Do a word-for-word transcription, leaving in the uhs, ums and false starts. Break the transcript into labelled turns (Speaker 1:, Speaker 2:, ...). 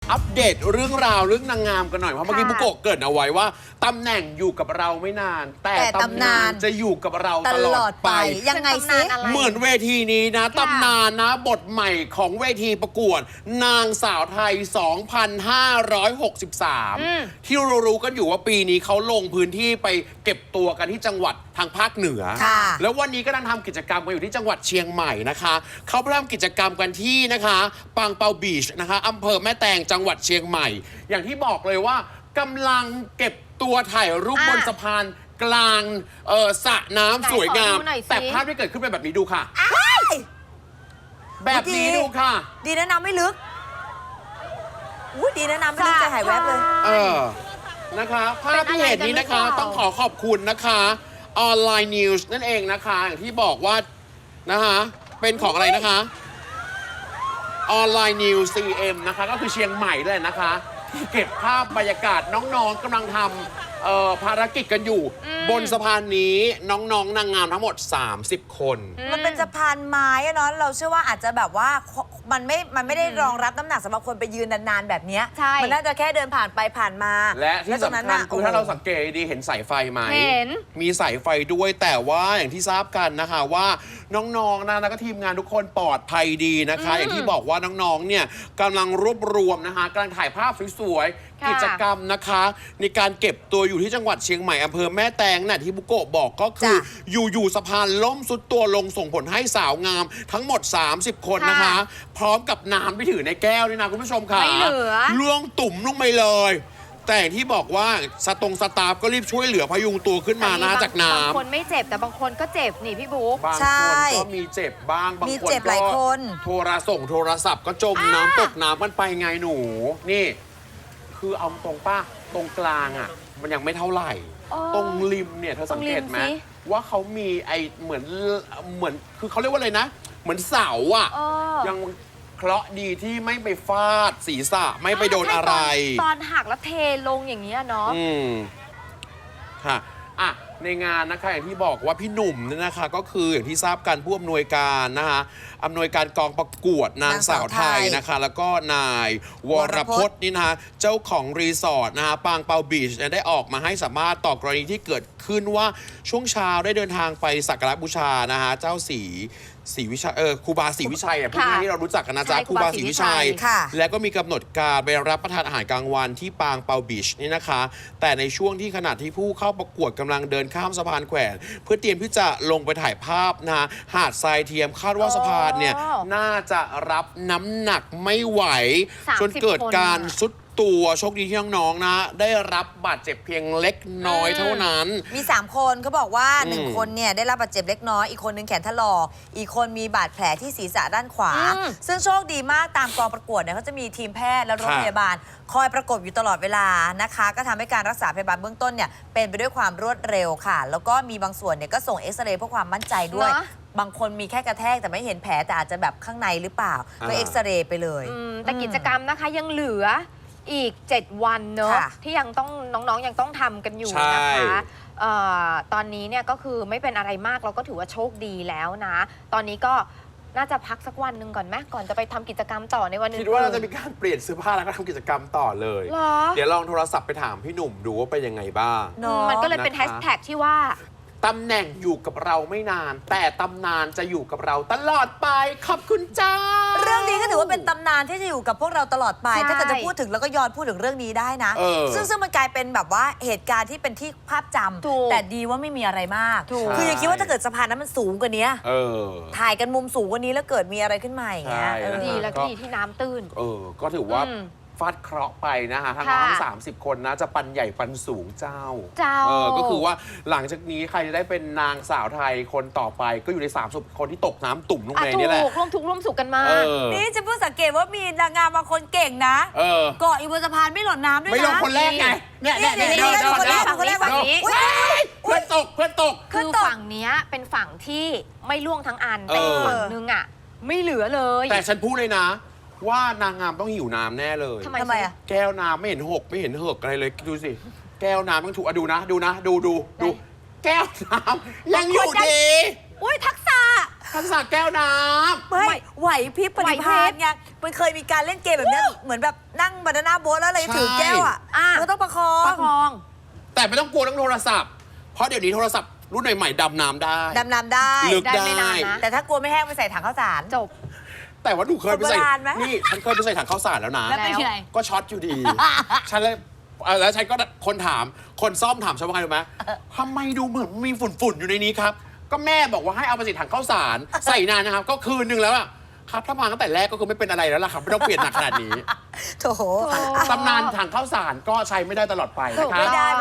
Speaker 1: อัปเดตเรื่องราวเรื่องนางงามกันหน่อยเพราะเมื่อกี้บุโกะเกริ่นเอาไว้ว่าตำแหน่งอยู่กับเราไม่นาน แต่ตำนานจะอยู่กับเราตลอดไป
Speaker 2: ยังไงซิ
Speaker 1: เหมือนเวทีนี้นะตำนานนะบทใหม่ของเวทีประกวดนางสาวไทย สองพันห้าร้อยหกสิบสาม ที่เรารู้กันอยู่ว่าปีนี้เขาลงพื้นที่ไปเก็บตัวกันที่จังหวัดทางภาคเหนือแล้ววันนี้ก็นั่งทำกิจกรรมกันอยู่ที่จังหวัดเชียงใหม่นะคะเขาไปทำกิจกรรมกันที่นะคะปางเปาบีชนะคะอำเภอแม่แตงจังหวัดเชียงใหม่อย่างที่บอกเลยว่ากำลังเก็บตัวถ่ายรูปบนสะพานกลางเออสระน้ำสวยงามแต่ภาพที่เกิดขึ้นเป็นแบบนี้ดูค่ะแบบนี้ดูค่ะ
Speaker 2: ดีนะน้ำไม่ลึกอุ้ยดีนะน้ำไม่ลึกใจหายแวบเลย
Speaker 1: เออนะคะภาพที่เห็นนี้นะคะต้องขอขอบคุณนะคะออนไลน์นิวส์นั่นเองนะคะอย่างที่บอกว่านะคะเป็นของอะไรนะคะออนไลน์นิวส์ ซี เอ็ม นะคะก็คือเชียงใหม่เลยนะคะที่เก็บภาพบรรยากาศน้องๆกำลังทำภารกิจกันอยู่บนสะพานนี้น้องๆ น, นางงามทั้งหมดสามสิบคน
Speaker 2: มันเป็นสะพานไม้อะเนาะเราเชื่อว่าอาจจะแบบว่ามันไม่มันไม่ได้รองรับน้ำหนักสำหรับคนไปยืนนานๆแบบนี้มันน่าจะแค่เดินผ่านไปผ่านมา
Speaker 1: และที่สำคัญคือถ้าเราสังเกตดีเห็นสายไฟไหม
Speaker 3: เห็น
Speaker 1: มีสายไฟด้วยแต่ว่าอย่างที่ทราบกันนะคะว่าน้องๆนะแล้วก็ทีมงานทุกคนปลอดภัยดีนะคะอย่างที่บอกว่าน้องๆเนี่ยกำลังรวบรวมนะคะกำลังถ่ายภาพสวยๆกิจกรรมนะคะในการเก็บตัวอยู่ที่จังหวัดเชียงใหม่อำเภอแม่แตงน่ะที่บุโกะบอกก็คืออยู่ๆสะพานล่มสุดตัวลงส่งผลให้สาวงามทั้งหมดสามสิบคนนะคะพร้อมกับน้ำที่ถือในแก้วนี่นะคุณผู้ชมค่ะ
Speaker 3: ไม่เหลือ
Speaker 1: ล่วงตุ่มลงไปเลยแต่ที่บอกว่าสตงสตาฟก็รีบช่วยเหลือพยุงตัวขึ้นมานะจากน้ำ
Speaker 3: บางคนไม่เจ็บแต่บางคนก็เจ็บนี่พี่บุ๊ก
Speaker 1: บางคนก็มีเจ็บบ้างบางคนก็โทรส่งโทรศัพท์ก็จมน้ำตกน้ำกันไปไงหนูนี่คือเอาตรงป้าตรงกลางอ่ะมันยังไม่เท่าไหร่ตรงริมเนี่ยเธอสังเกตไหมว่าเขามีไอเหมือนเหมือนคือเขาเรียกว่าอะไรนะเหมือนเสาอ่ะยังเคราะห์ดีที่ไม่ไปฟาดศีรษะไม่ไปโดนอะไร
Speaker 3: ตอนหักแล้วเทลงอย่างนี้เนาะ
Speaker 1: อืมค่ะอ่ะในงานนะคะอย่างที่บอกว่าพี่หนุ่มเนี่ยนะคะก็คืออย่างที่ทราบกันผู้อำนวยการนะคะอำนวยการกองประกวดนางสาวไทยนะคะแล้วก็นายวรพจน์นี่นะคะเจ้าของรีสอร์ทนะคะปางเปาบีชได้ออกมาให้สัมภาษณ์ต่อกรณีที่เกิดขึ้นว่าช่วงเช้าได้เดินทางไปสักการะบูชานะคะเจ้าศรีศรีวิชัยเออครูบาศรีวิชัยอ่ะพวกนี้ที่เรารู้จักกันนะจ๊ะครูบาศรีวิชัยแล้วก็มีกำหนดการไปรับประทานอาหารกลางวันที่ปางเปาบีชนี่นะคะแต่ในช่วงที่ขณะที่ผู้เข้าประกวดกำลังเดินข้ามสะพานแขวนเพื่อเตรียมที่จะลงไปถ่ายภาพนะหาดทรายเทียมคาดว่าสะพานเนี่ยน่าจะรับน้ำหนักไม่ไหวจนเกิดการสุดตัวโชคดีที่น้องๆนะได้รับบาดเจ็บเพียงเล็กน้อยเท่านั้น
Speaker 2: มีสามคนเขาบอกว่าหนึ่งคนเนี่ยได้รับบาดเจ็บเล็กน้อยอีกคนนึงแขนถลอกอีกคนมีบาดแผลที่ศีรษะด้านขวาซึ่งโชคดีมากตามกองประกวดเนี่ยเขาจะมีทีมแพทย์และรถพยาบาลคอยประกบอยู่ตลอดเวลานะคะก็ทำให้การรักษาพยาบาลเบื้องต้นเนี่ยเป็นไปด้วยความรวดเร็วค่ะแล้วก็มีบางส่วนเนี่ยก็ส่งเอ็กซเรย์เพื่อความมั่นใจด้วยบางคนมีแค่กระแทกแต่ไม่เห็นแผลแต่อาจจะแบบข้างในหรือเปล่าก็เอ็กซเรย์ไปเลย
Speaker 3: แต่กิจกรรมนะคะยังเหลืออีกเจ็ดวันเนอะที่ยังต้องน้องๆยังต้องทำกันอยู่นะคะตอนนี้เนี่ยก็คือไม่เป็นอะไรมากเราก็ถือว่าโชคดีแล้วนะตอนนี้ก็น่าจะพักสักวันหนึ่งก่อนไหมก่อนจะไปทำกิจกรรมต่อในวันนึง
Speaker 1: คิดว่าเราจะมีการเปลี่ยนเสื้อผ้าแล้วก็ทำกิจกรรมต่อเลยเดี๋ยวลองโทรศัพท์ไปถามพี่หนุ่มดูว่าเป็นยังไงบ้าง
Speaker 3: มันก็เลยเป็นแฮชแท็กที่ว่า
Speaker 1: ตำแหน่งอยู่กับเราไม่นานแต่ตำนานจะอยู่กับเราตลอดไปขอบคุณจ้า
Speaker 2: เรื่องนี้ก็ถือว่าเป็นตำนานที่จะอยู่กับพวกเราตลอดไปถ้าเกิดจะพูดถึงแล้วก็ย้อนพูดถึงเรื่องนี้ได้นะซึ่งซึ่งมันกลายเป็นแบบว่าเหตุการณ์ที่เป็นที่ภาพจำแต่ดีว่าไม่มีอะไรมากคืออย่าคิดว่าถ้าเกิดสะพานนั้นมันสูงกว่านี้ถ่ายกันมุมสูงกว่านี้แล้วเกิดมีอะไรขึ้นมาอย่างเงี้ย
Speaker 3: ดีแล้วก็ดีที่น้ำตื้น
Speaker 1: เออก็ถือว่าฟาดเคราะห์ไปนะคะทั้งน้องสามสิบคนนะจะปันใหญ่ปันสูงเจ้า
Speaker 3: เจ้า
Speaker 1: เออก็คือว่าหลังจากนี้ใครจะได้เป็นนางสาวไทยคนต่อไปก็อยู่ในสามสิบคนที่ตกน้ำตุ่มลงไปนี่แหละ
Speaker 3: ร่วมทุกข์ร่วมสุขกันมา
Speaker 2: นี่จะเพิ่งสังเกตว่ามีนางงามบางคนเก่งนะเกาะอยู่บนสะพานไม่หล่นน้ำด้วยนะ
Speaker 1: ไม่ลงคนแรกไงเนี่ยเนี่ยเนี่ยเดินเดิน
Speaker 3: คนแรกคนแรกฝั่งนี้
Speaker 1: เพื่อนตกเพื่อนตก
Speaker 3: คือฝั่งนี้เป็นฝั่งที่ไม่ล่วงทั้งอันแต่ฝั่งนึงอ่ะไม่เหลือเลย
Speaker 1: แต่ฉันพูดเลยนะว่านางงามต้องหิวน้ำแน่เลย
Speaker 2: ทำไมอ่ะ
Speaker 1: แก้วน้ำไม่เห็นหกไม่เห็นเหิกอะไรเลยดูสิแก้วน้ำต้องถูกดูนะดูนะดูดูดูแก้วน้ำยังอยู่ดี
Speaker 3: อุ้ยทักษะ
Speaker 1: ทักษะแก้วน้
Speaker 2: ไม่ไหวพริบปฏิภาณไงมันเคยมีการเล่นเกมแบบเนี้ยเหมือนแบบนั่งบานาน่าโบ๊ทแล้วอะไรถือแก้วอ่ะ
Speaker 3: อ่ะ
Speaker 2: มันต้องประคอง
Speaker 3: ประคอง
Speaker 1: ำแต่ไม่ต้องกลัวเรื่องโทรศัพท์ เพราะเดี๋ยวนี้โทรศัพท์รุ่นใหม่ๆดำน้ำได้
Speaker 2: ดำน้ำได้
Speaker 1: ลึก
Speaker 3: ได้
Speaker 1: ได้
Speaker 3: ไม่นานนะ
Speaker 2: แต่ถ้ากลัวไม่แห้งไปใส่ถังข้าวสาร
Speaker 3: จบ
Speaker 1: แต่ว่าหนูเคยไปใส่
Speaker 2: โบราณไหม
Speaker 1: นี่ฉันเคยไปใส่ถังข้าวสารแล้วนะ
Speaker 2: แล้วเป็นยังไง
Speaker 1: ก็ช็อตอยู่ดี ฉันเลยเอ่อแล้วฉันก็คนถาม คนซ่อมถามฉันว่าไงรู้ไหมทำไมดูเหมือนมีฝุ่นๆอยู่ในนี้ครับ ก็แม่บอกว่าให้เอาไปใส่ถังข้าวสาร ใส่นานนะครับ ก็คืนนึงแล้วอะครับถ้ามาตั้งแต่แรกก็คือไม่เป็นอะไรแล้วล่ะครับไม่ต้องเปลี่ยนหนักขนาดนี้
Speaker 2: โถ
Speaker 1: ตำนานถังข้าวสารก็ใช้ไม่ได้ตลอดไปนะค
Speaker 3: ไม่
Speaker 1: รับ
Speaker 3: ได้